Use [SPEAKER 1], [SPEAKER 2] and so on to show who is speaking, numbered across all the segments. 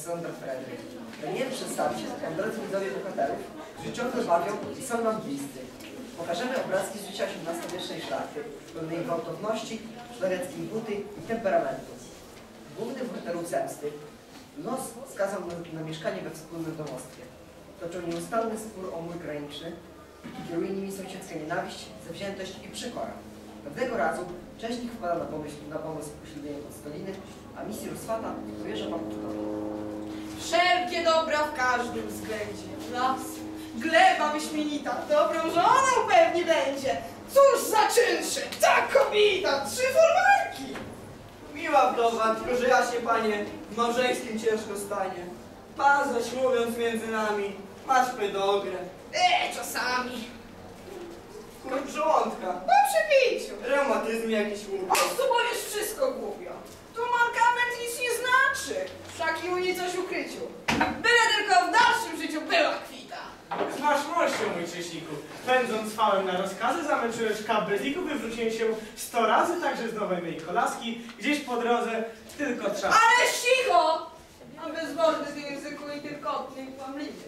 [SPEAKER 1] Kassandra Frederick. Pragnę przedstawić wam, drodzy widzowie, bohaterów, którzy ciągle bawią i są nam bliscy. Pokażemy obrazki z życia XVIII-wiecznej szlachty, pełnej gwałtowności, szlacheckiej buty i temperamentu. Główny bohaterów zemsty los skazał na mieszkanie we wspólnym domostwie. Toczą nieustanny spór o mur graniczny i kieruje nimi sąsiedzka nienawiść, zawziętość i przekora. Pewnego razu Cześnik wpada na pomysł poślubienia Podstoliny, a misji rozswata powierza Papuszkowi.
[SPEAKER 2] Wszelkie dobra w każdym względzie. Las, gleba wyśmienita, dobrą żoną pewnie będzie. Cóż za czynsze, ta kobieta, 3 folwarki.
[SPEAKER 3] Miła wdowa, tylko że ja się, panie, w małżeńskim ciężko stanie. Pan zaś mówiąc między nami, masz pedogrę.
[SPEAKER 2] Czasami.
[SPEAKER 3] Kurcz żołądka.
[SPEAKER 2] Po przepiciu.
[SPEAKER 3] Reumatyzm jakiś
[SPEAKER 2] O, tu powiesz wszystko głupio. Tu mankament nic nie znaczy. Wszak i u niej coś ukryciu. Byle tylko w dalszym życiu była kwita.
[SPEAKER 4] Z waszmością, mój Cześniku, pędząc fałem na rozkazy, zamęczyłeś kap beziku, wywróciłem się 100 razy, także z nowej mej kolaski, gdzieś po drodze tylko trzeba.
[SPEAKER 2] Ale cicho! A bezwolny z języku i tylkotny i kłamliwy.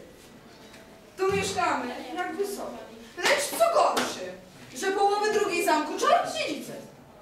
[SPEAKER 2] Tu mieszkamy, jak wysoko. Lecz co gorszy, że połowy drugiej zamku czarny dziedzicem.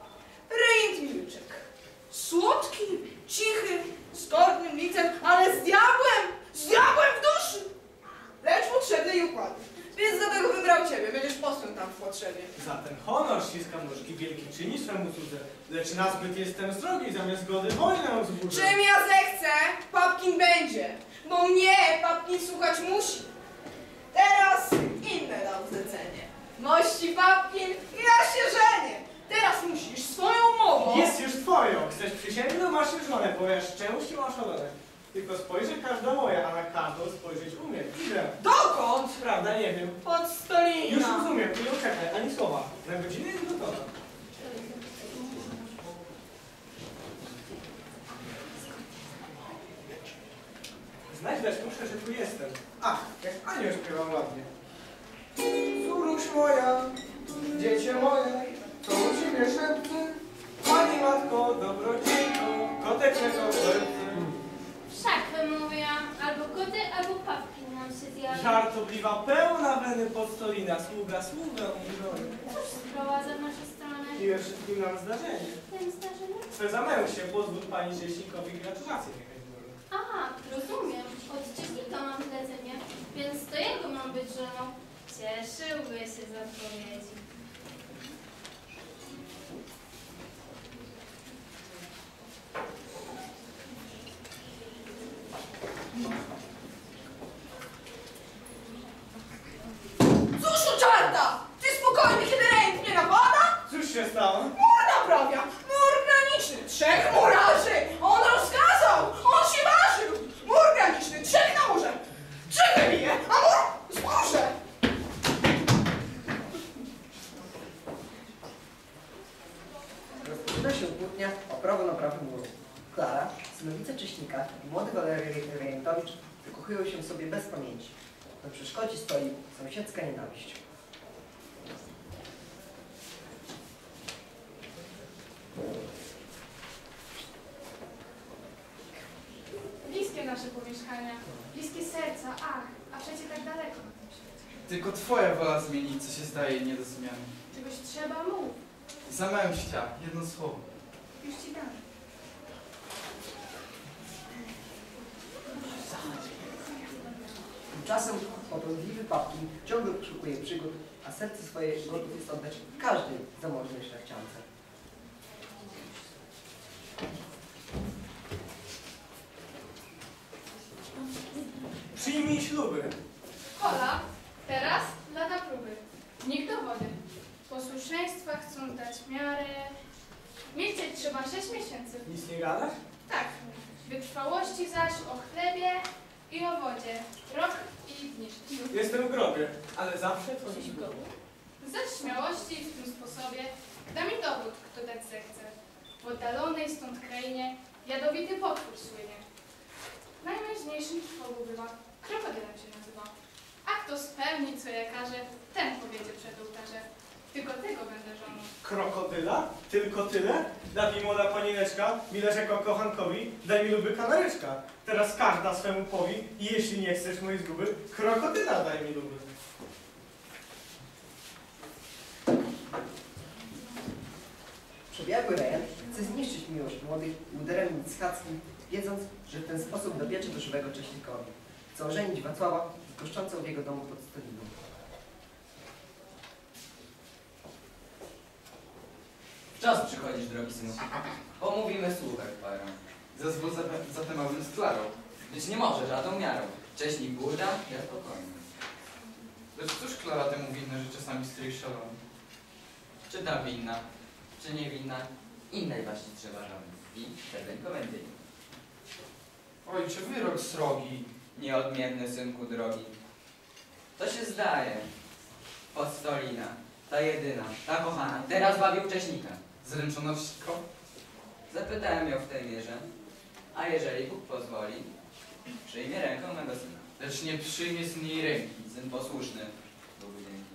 [SPEAKER 2] Rejent Milczek. Słodki, cichy, z tornym licem, ale z diabłem w duszy. Lecz potrzebny i układy. Więc dlatego wybrał ciebie, będziesz posłem tam w potrzebie.
[SPEAKER 4] Za ten honor ściskam nóżki, wielki czyni swemu cudze, lecz nazbyt jestem srogi, zamiast zgody wojnę wzbudzę.
[SPEAKER 2] Czym ja zechcę, Papkin będzie, bo mnie Papkin słuchać musi. Teraz inne dam zlecenie. Mości Papkin, ja się żenię. Teraz musisz swoją mową...
[SPEAKER 4] Jest już twoją, chcesz przysięgnąć, masz już żonę, bo ja szczęście masz szalone. Tylko spojrzy każda moja, a na każdą spojrzeć umiem. Idę.
[SPEAKER 2] Dokąd?
[SPEAKER 4] Prawda, nie wiem.
[SPEAKER 2] Podstolina.
[SPEAKER 4] Już rozumiem, tu nie czekaj, ani słowa. Za godzinę jest gotowa. Znać dać muszę, że tu jestem. Ach, jak anioł śpiewam ładnie. Córuś moja, dziecię moje, co u ciebie szepce? Pani matko, dobrodziejko, kotek mego serce.
[SPEAKER 5] Wszak wymówiłam, albo koty, albo Papkin nam się zjawi.
[SPEAKER 4] Żartobliwa, pełna weny Podstolina, sługa sługę umrzony.
[SPEAKER 5] Cóż sprowadza w naszą stronę?
[SPEAKER 4] Miłe wszystkim nam zdarzenie.
[SPEAKER 5] Tym zdarzeniu?
[SPEAKER 4] Swe zamęł się, pozwól pani Cześnikowi gratulacje niechaj złoży.
[SPEAKER 5] A, rozumiem. Od Cześnika mam zlecenie, więc to jego mam być żoną. Cieszyłby się z odpowiedzi.
[SPEAKER 2] Cóż u czarta! Ty spokojny, kiedy rejent mnie napada?
[SPEAKER 4] Cóż się stało?
[SPEAKER 2] Mur naprawia! Mur graniczny! 3 murarzy! On rozkazał! On się ważył! Mur graniczny! 3 na murze! 3 wybije, a mur zburze!
[SPEAKER 1] Rozpoczyna się kłótnia o prawo naprawy muru. Klara, synowica Cześnika i młody Walery Rejentowicz wykochują się sobie bez pamięci. Na przeszkodzie stoi sąsiedzka nienawiść.
[SPEAKER 6] Bliskie nasze pomieszkania, bliskie serca, ach, a przecie tak daleko na tym świecie.
[SPEAKER 7] Tylko twoja wola zmienić, co się zdaje nie do zmiany.
[SPEAKER 6] Czegoś trzeba, mów,
[SPEAKER 7] Zamęścia, jedno słowo.
[SPEAKER 6] już ci dam.
[SPEAKER 1] Tymczasem potrądliwy Papkin ciągle poszukuje przygód, a serce swoje gotów jest oddać każdej zamożnej szlachciance.
[SPEAKER 4] Przyjmij śluby.
[SPEAKER 6] Hola, teraz lata próby. Nikt do wody. Posłuszeństwa chcą dać miarę. Milczeć trzeba 6 miesięcy.
[SPEAKER 4] Nic nie gadasz?
[SPEAKER 6] Tak, wytrwałości zaś o chlebie i o wodzie. Rok i dni życiu.
[SPEAKER 4] Jestem w grobie, ale zawsze twoim
[SPEAKER 6] Zaś śmiałości w tym sposobie da mi dowód, kto dać zechce. W oddalonej stąd krainie jadowity potwór słynie. Najmężniejszym trwogu bywa, krokodylem się nazywa. A kto spełni, co ja każę, ten powiedzie przed ołtarze. Tylko tego będę żoną.
[SPEAKER 4] Krokodyla? Tylko tyle? Da mi młoda panineczka, mi leż jako kochankowi, daj mi luby kanaryczka. Teraz każda swemu powi i jeśli nie chcesz mojej zguby, krokodyla daj mi luby.
[SPEAKER 1] Przebiegły rejent chce zniszczyć miłość młodych uderem nicchackim, wiedząc, że w ten sposób dobiecze do żywego Cześnikowi. Chce ożenić Wacława z goszczącą w jego domu pod Stoliną.
[SPEAKER 8] Czas przychodzisz, drogi synu. Pomówimy słuchaj parę.
[SPEAKER 7] Zezwól zatem abym z Klarą.
[SPEAKER 8] Być nie może żadną miarą. Cześnik burda, ja spokojny.
[SPEAKER 7] Lecz cóż Klara temu winna, że czasami stryj szalony?
[SPEAKER 8] Czy ta winna, czy niewinna? Innej właśnie trzeba żony. I wtedy komendy.
[SPEAKER 7] Ojcze, wyrok srogi.
[SPEAKER 8] Nieodmienny synku drogi. To się zdaje. Podstolina, ta jedyna, ta kochana, teraz bawił Cześnika.
[SPEAKER 7] Zręczona wszystko?
[SPEAKER 8] Zapytałem ją w tej mierze, a jeżeli Bóg pozwoli, przyjmie rękę mego syna.
[SPEAKER 7] Lecz nie przyjmie z niej ręki.
[SPEAKER 8] Syn posłuszny, Bogu dzięki.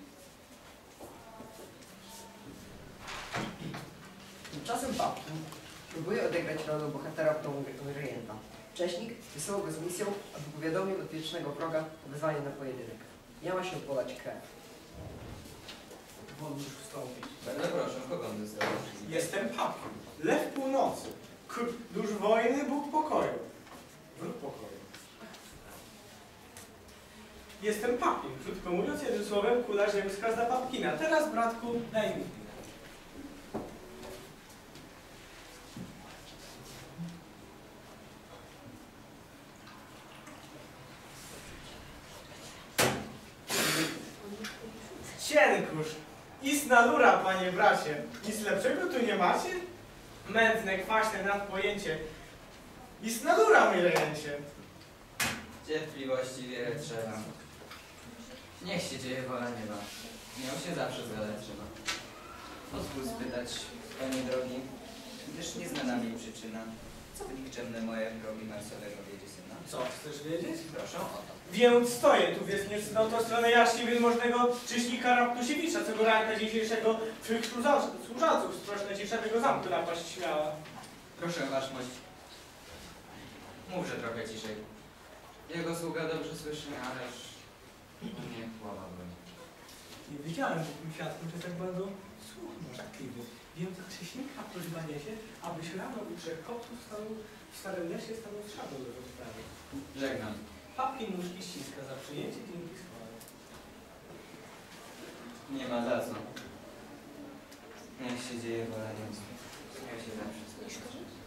[SPEAKER 1] Tymczasem Papkin próbuje odegrać rolę bohatera w domu rejenta. Cześnik wysyłał go z misją, aby powiadomił od wiecznego wroga o wezwanie na pojedynek. Miała się polać krew.
[SPEAKER 4] Wolno już wstąpić.
[SPEAKER 8] Bardzo proszę, kogo on został?
[SPEAKER 4] Jestem Papkin, lew północy, dusz wojny, Bóg pokoju. Wróg pokoju. Jestem Papkin, krótko mówiąc, jednym słowem kula ziemska zda Papkina. Teraz, bratku, daj mi. Cienkusz, istna lura, panie bracie. Nic lepszego tu nie macie? Mętne, kwaśne nadpojęcie. Istna lura, mi rejęcie.
[SPEAKER 8] Cierpliwości wiele trzeba. Niech się dzieje wola nieba. Nią się zawsze zgadać trzeba. Pozwól spytać, panie drogi, gdyż nieznana mi przyczyna, co w nikczemne moje drogi Marsowego wiedzie syna?
[SPEAKER 4] Co, chcesz wiedzieć?
[SPEAKER 8] Proszę o to.
[SPEAKER 4] Więc stoję tu, więc nie no to stronę jaśnie wielmożnego Cześnika Raptusiewicza, co go ranka dzisiejszego twych służaców z prośne ciszego zamku napaść śmiała.
[SPEAKER 8] Proszę waszmość, mówże trochę ciszej. Jego sługa dobrze słyszy, ależ nie chłowa broni.
[SPEAKER 4] Nie wiedziałem, że tym świadkiem, że tak bardzo słuch możliwy. Wiem od Cześnika, prośbanie się, abyś rano u trzech kopców w starym lesie stanął z szabą do rozprawy.
[SPEAKER 8] Żegnam.
[SPEAKER 4] Papkin nóżki ściska za przyjęcie, dzięki schwały.
[SPEAKER 8] Nie ma za co. Niech się dzieje wola nieba. Ja się zawsze słyszę.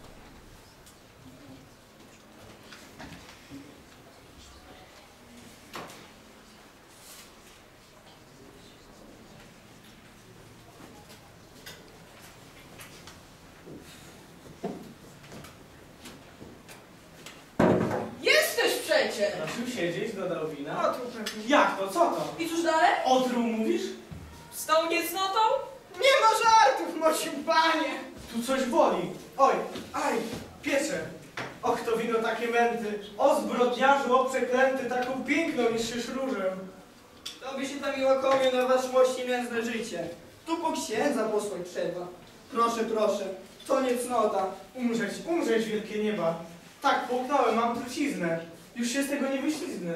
[SPEAKER 2] Jesteś przecie!
[SPEAKER 4] Prosił siedzieć, dodał wina.
[SPEAKER 2] O, tu pewnie.
[SPEAKER 4] Jak to? Co to?
[SPEAKER 2] I cóż dalej?
[SPEAKER 4] Otruł mówisz?
[SPEAKER 2] Z tą niecnotą? Nie ma żartów, mosiu panie!
[SPEAKER 4] Tu coś boli. Oj, aj, piecze. Och, to wino takie męty. O zbrodniarzu, o przeklęty, taką piękną niż różem.
[SPEAKER 3] To by się tam i łakomie na waszmości nędzne życie. Tu po księdza posłać trzeba. Proszę, proszę, to nie cnota.
[SPEAKER 4] Umrzeć, wielkie nieba. Tak, połknąłem, mam truciznę. Już się z tego nie wyśliznę.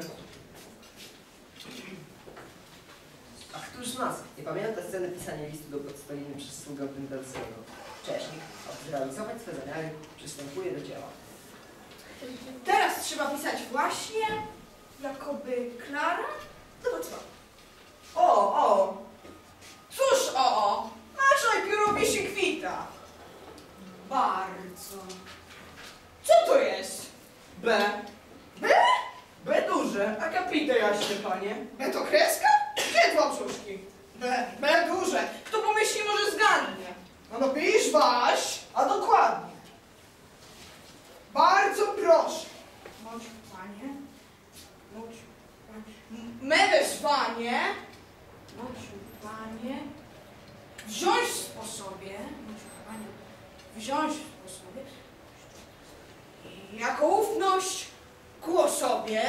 [SPEAKER 1] A któż z nas nie pamięta sceny pisania listu do Podstoliny przez sługę Pendelskiego? Cześnik, aby zrealizować swe zamiary, przystępuje do dzieła.
[SPEAKER 2] Teraz trzeba pisać właśnie, jakoby Klara do Wacława. O! Cóż o! Naszej piórowi się kwita. Bardzo. Co to jest?
[SPEAKER 3] B.
[SPEAKER 2] B?
[SPEAKER 3] B duże, a kapite jaśnie, panie.
[SPEAKER 2] B to kreska? Gdzie dwa brzuszki? B duże. Kto pomyśli, może zgadnie. No pisz waś, a dokładnie. Bardzo proszę. Mociu panie. Mociu panie. Me wezwanie. Mociu panie. Wziąć w sposobie. Mociu panie. Wziąć w sposobie. Jako ufność ku osobie.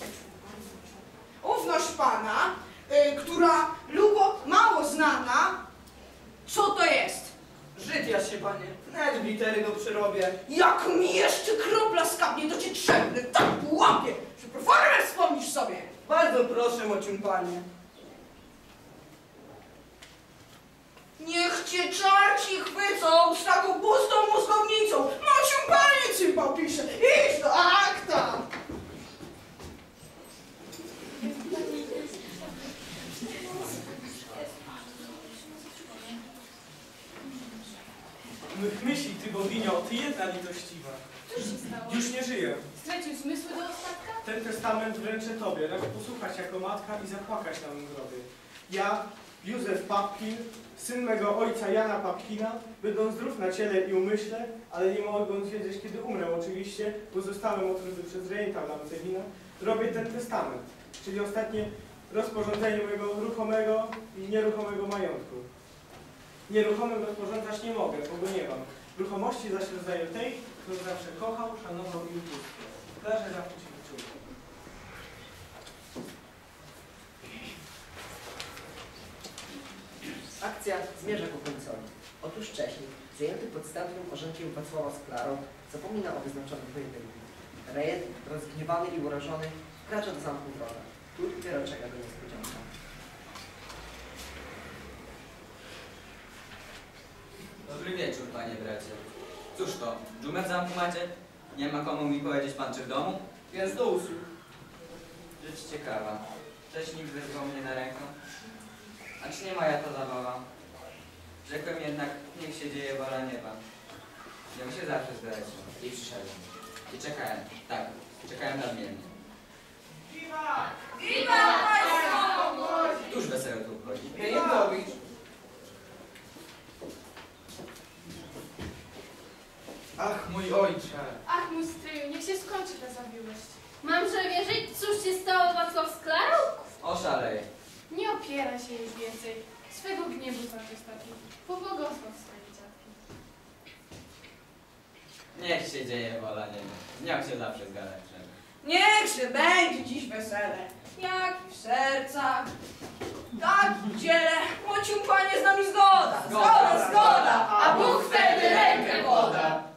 [SPEAKER 2] Ufność pana, która lubo mało znana. Co to jest?
[SPEAKER 3] Żyd ja się, panie. Nawet w litery go przyrobię.
[SPEAKER 2] Jak mi jeszcze kropla skapnie, to cię trzepnę tak po łapie, że proformę wspomnisz sobie.
[SPEAKER 3] Bardzo proszę, mocium panie.
[SPEAKER 2] Niech cię czarci chwycą z taką pustą mózgownicą. Mocium panie cymbał pisze. Idź do akta.
[SPEAKER 4] Mych myśli, ty boginią, ty jedna litościwa.
[SPEAKER 6] Cóż się stało?
[SPEAKER 4] Już nie żyję.
[SPEAKER 6] Stracił zmysły do ostatka?
[SPEAKER 4] Ten testament wręczę tobie, racz posłuchać jako matka i zapłakać na mym grobie. Ja, Józef Papkin, syn mego ojca Jana Papkina, będąc zdrów na ciele i umyśle, ale nie mogąc wiedzieć, kiedy umrę oczywiście, bo zostałem otruty przez rejenta Lancewina, robię ten testament, czyli ostatnie rozporządzenie mojego ruchomego i nieruchomego majątku. Nieruchomym rozporządzać nie mogę, bo go nie mam. Ruchomości zaś rozdaję tej, którą zawsze kochał, szanował i ubóstwiał. Klarze zawsze się wyczuł.
[SPEAKER 1] Akcja zmierza ku końcowi. Otóż wcześniej, zajęty podstępnym orzenkiem Wacława z Klarą, zapomina o wyznaczonym pojedynku. Rejet, rozgniewany i urażony, wkracza do zamku wroga. Tu dopiero czeka go niespodzianka.
[SPEAKER 8] Dobry wieczór, panie bracie. Cóż to, dżumę w zamku macie? Nie ma komu mi powiedzieć pan, czy w domu?
[SPEAKER 3] Jest do usług.
[SPEAKER 8] Rzecz ciekawa. Wcześniej wezwał mnie na rękę. A czy nie moja to zabawa? Rzekłem jednak, niech się dzieje wola nieba. Miał się zawsze zgrać. I przyszedłem. I czekałem. Tak, czekałem nadmiennie.
[SPEAKER 2] Wiwa Państwo!
[SPEAKER 8] Któż wesoło tu obchodzi?
[SPEAKER 3] Rejentowicz.
[SPEAKER 7] Ach, mój ojcze!
[SPEAKER 6] Ach, mój stryju, niech się skończy ta zawiłość.
[SPEAKER 5] Mamże wierzyć, cóż się stało Wacław z Klarą?
[SPEAKER 8] Oszalej.
[SPEAKER 6] Nie opieraj się już więcej. Swego gniewu zaczystaki. Pobłogosław swoje dziadki.
[SPEAKER 8] Niech się dzieje wola nieba. Niech się zawsze zgadza.
[SPEAKER 2] Niech się będzie dziś wesele, jak i w sercach, tak i w ciele. Mocium panie z nami zgoda, zgoda, zgoda, a Bóg wtedy rękę poda.